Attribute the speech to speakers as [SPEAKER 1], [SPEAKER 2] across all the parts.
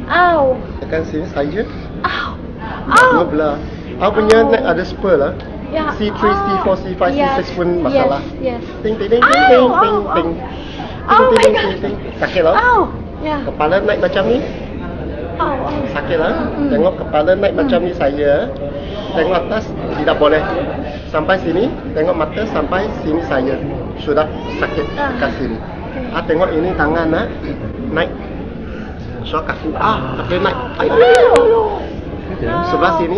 [SPEAKER 1] Ow.
[SPEAKER 2] Tekan sini saja.
[SPEAKER 1] Ow. Ow.
[SPEAKER 2] Belah. Aku punya neck ada spur lah.
[SPEAKER 1] Ya.
[SPEAKER 2] C3, C4, C5, C6 pun masalah.
[SPEAKER 1] Yes.
[SPEAKER 2] Ting ting ting ting ting ting ting.
[SPEAKER 1] Oh my
[SPEAKER 2] Ting
[SPEAKER 1] god.
[SPEAKER 2] ting ting. Sakit lah.
[SPEAKER 1] Ow. Ya.
[SPEAKER 2] Kepala naik macam ni.
[SPEAKER 1] Ow.
[SPEAKER 2] Sakit lah. Tengok kepala naik macam ni saya. Tengok atas tidak boleh. Sampai sini. Tengok mata sampai sini saya. Sudah sakit kat sini. Tengok ini tangan naik. So kaki kaki naik. Ayo. Sebelah sini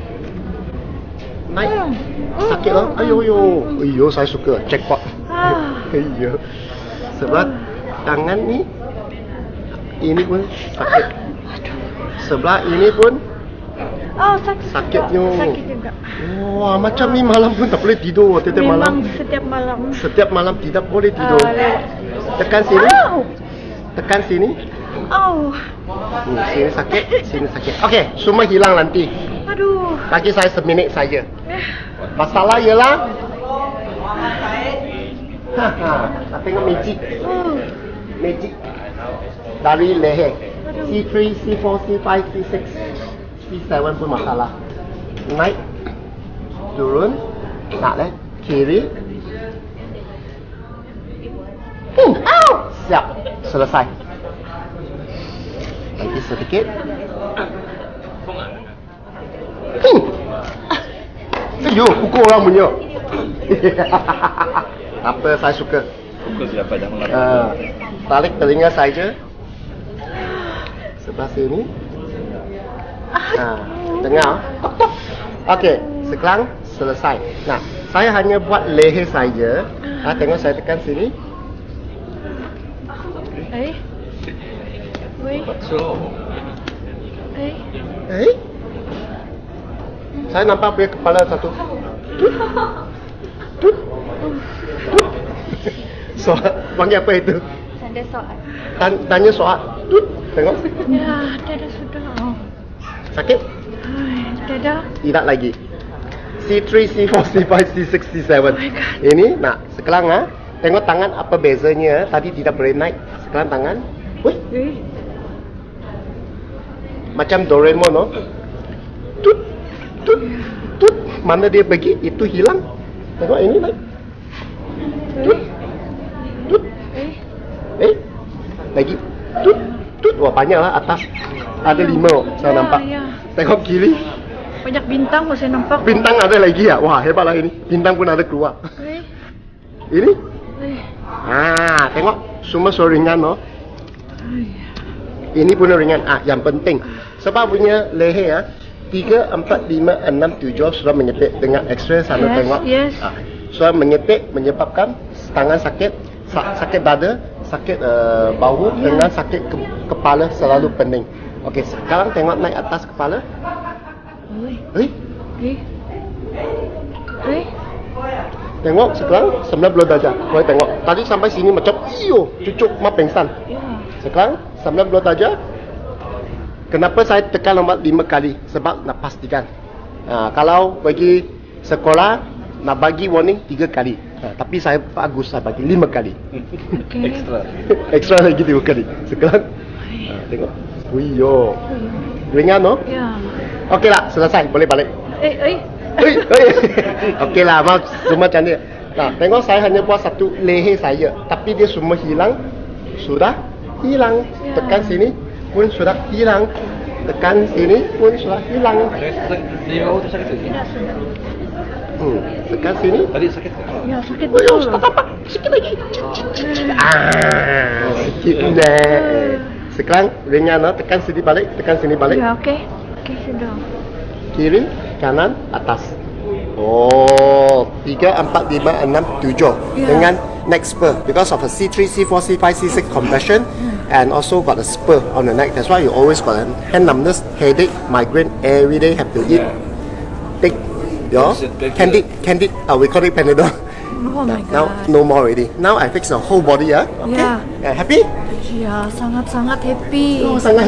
[SPEAKER 2] naik. Sakit lah. Ayo saya suka jackpot. Ayo. Sebelah tangan ni ini pun sakit. Sebelah ini pun sakitnya.
[SPEAKER 1] Sakit juga.
[SPEAKER 2] Wah, macam ni malam pun tak boleh tidur tiap malam.
[SPEAKER 1] Setiap malam.
[SPEAKER 2] Setiap malam tidak boleh tidur. Tekan sini. Tekan sini. Sini sakit, sini sakit. Okey, semua hilang nanti.
[SPEAKER 1] Aduh.
[SPEAKER 2] Bagi saya seminit saja. Masalah ialah tengok magic. Magic dari leher. C3, C4, C5, C6, C7 pun masalah. Naik, turun, nak kiri. Siap, selesai. Lagi sedikit. Ayo, pukul orang punya. Apa saya suka.
[SPEAKER 3] Pukul siapa jangan
[SPEAKER 2] Tarik telinga saja. Sebelah sini. Tengah. Okey, sekarang selesai. Nah, saya hanya buat leher saja. Tengok saya tekan sini. Saya nampak punya kepala satu. Soal, panggil apa itu?
[SPEAKER 1] Tanda soal.
[SPEAKER 2] Tanya soal. Tengok.
[SPEAKER 1] Ya, dah sudah.
[SPEAKER 2] Sakit?
[SPEAKER 1] Dah.
[SPEAKER 2] Tidak lagi. C3, C4, C5, C6, C7. Ini, nak sekarang tengok tangan apa bezanya. Tadi tidak boleh naik. Sekarang tangan. Macam Doraemon, no? Tut. Mana dia pergi, itu hilang. Tengok ini naik. Tut. Lagi. Tut. Wah, banyak lah atas. Ada 5 saya nampak. Tengok kiri.
[SPEAKER 1] Banyak bintang saya nampak.
[SPEAKER 2] Bintang ada lagi ya? Wah, hebatlah ini. Bintang pun ada keluar. Ini? Tengok. Semua so ringan, no? Ini pun ringan. Yang penting. Sebab punya leher 3, 4, 5, 6, 7 sudah menyetik dengan X-ray sana tengok. Sudah menyetik menyebabkan tangan sakit, sakit dada, sakit bahu dengan sakit kepala selalu pening. Okey, sekarang tengok naik atas kepala. Tengok sekarang 90 darjah. Boleh tengok. Tadi sampai sini macam cucuk mak pengsan. Sekarang 90 darjah. Kenapa saya tekan nombor 5 kali? Sebab nak pastikan. Kalau pergi sekolah nak bagi warning 3 kali. Tapi saya bagus saya bagi 5 kali. Extra lagi 3 kali. Sekarang tengok. Ringan, no?
[SPEAKER 1] Ya.
[SPEAKER 2] Okeylah, selesai. Boleh balik. Okeylah, maaf semua macam ni. Nah, tengok saya hanya buat satu leher saya, tapi dia semua hilang. Sudah hilang. Tekan sini pun sudah hilang. Tekan sini pun sudah hilang.
[SPEAKER 3] Di bawah tu sakit lagi.
[SPEAKER 2] Tekan sini.
[SPEAKER 3] Tadi sakit tak?
[SPEAKER 1] Ya, sakit betul.
[SPEAKER 2] Sikit lagi. Sikit dah. Sekarang ringan, no? Tekan sini balik. Tekan sini balik.
[SPEAKER 1] Ya, okey. Okey, sudah.
[SPEAKER 2] Kiri, kanan, atas. 3, 4, 5, 6, 7 dengan neck spur because of a C3, C4, C5, C6 compression and also got a spur on the neck. That's why you always got a hand numbness, headache, migraine every day. Have to eat. Take your candid. We call it Panadol.
[SPEAKER 1] Oh my god.
[SPEAKER 2] Now no more already. Now I fix the whole body. Okay.
[SPEAKER 1] Yeah.
[SPEAKER 2] Happy?
[SPEAKER 1] Ya, sangat-sangat happy.
[SPEAKER 2] Sangat